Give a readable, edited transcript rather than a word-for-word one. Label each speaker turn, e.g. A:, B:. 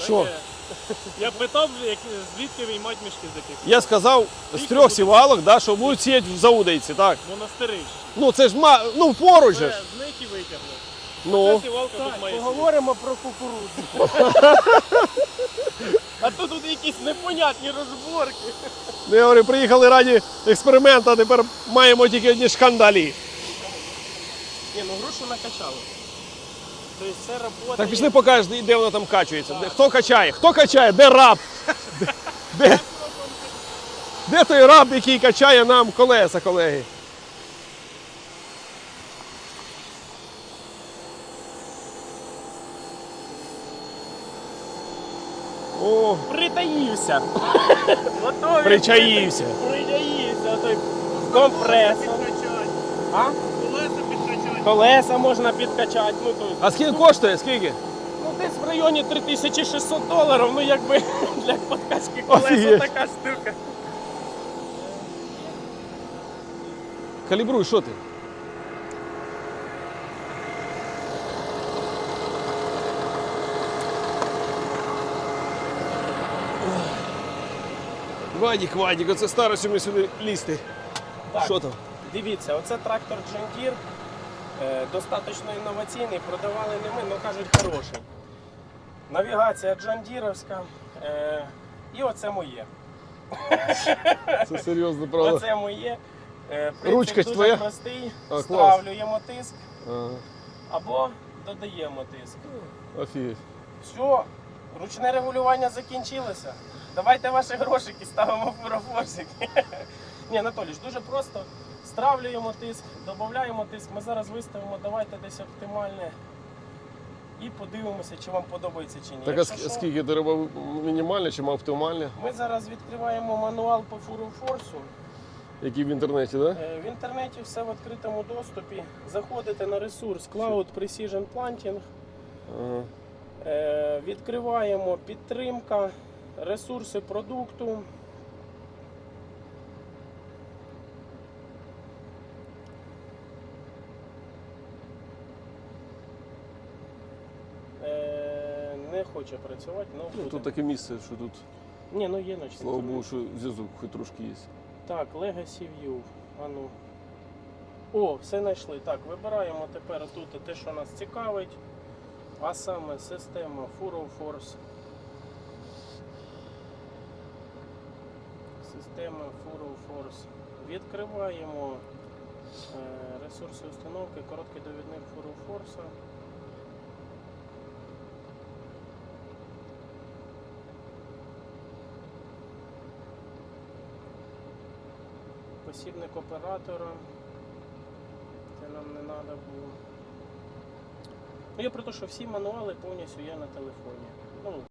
A: Що?
B: Я питав, звідки виймати мішки з яких?
A: Я сказав з 3 сівалок, да, що будуть сіяти в Заудейці, так.
B: Монастирищі.
A: Ну це ж поруч же ж.
B: З них і витягли.
A: Ну.
B: Ця сівалка тут має сидіти.
C: Поговоримо про кукурудзу.
B: А то тут якісь непонятні розборки.
A: Ну, я говорю, приїхали раді експерименту, а тепер маємо тільки одні шкандалі.
B: Ні, ну грушу накачали. Тобто це робота.
A: Так пішли покажеш, де вона там качується. Хто качає? Хто качає? Де раб? Де той раб, який качає нам колеса, колеги? О,
B: Притаївся. Готові.
A: причаївся.
B: Притаївся. Той компресор. А?
C: Колеса підкачати.
B: Колеса можна підкачати. Ну, то,
A: А скільки коштує? Скільки?
B: ну десь в районі $3600. Ну якби для подкачки колеса
A: Офігеть.
B: така штука.
A: Калібруй, що ти? Вадік, оце старості ми сюди лізти.
B: Так.
A: Що там?
B: Дивіться, оце трактор John Deere, достатньо інноваційний, продавали не ми, але кажуть хороший. Навігація John Deere'овська, і оце моє.
A: Це серйозно, правда?
B: Оце моє. Принцип
A: Ручка
B: дуже
A: твоя?
B: простий.
A: А, клас.
B: Стравлюємо тиск
A: Ага,
B: або додаємо тиск.
A: офігеть.
B: Все, ручне регулювання закінчилося. Давайте ваші грошики ставимо в фурофорсики. Ні, Анатолій, дуже просто. Стравлюємо тиск, додаємо тиск. Ми зараз виставимо, давайте десь оптимальне. І подивимося, чи вам подобається чи ні.
A: Так а
B: Якщо що,
A: скільки ти робив мінімальне чи оптимальне?
B: ми зараз відкриваємо мануал по фурофорсу.
A: Який в інтернеті, так? Да?
B: В інтернеті все в відкритому доступі. Заходите на ресурс Cloud Precision Planting.
A: Ага.
B: Відкриваємо підтримка, ресурси продукту. Не хоче працювати, але
A: Ну,
B: буде.
A: тут таке місце, що тут,
B: Ні, ну є ночний.
A: слава Богу, що зв'язок хоч трошки є.
B: Так, Legacy View. А ну. О, все знайшли. Так, вибираємо тепер тут те, що нас цікавить. А саме система FuroForce. Система FuroForce. Відкриваємо ресурси установки, короткий довідник FuroForce. Посібник оператора. Це нам не треба було. Ну, я про те, що всі мануали повністю є на телефоні. Ну,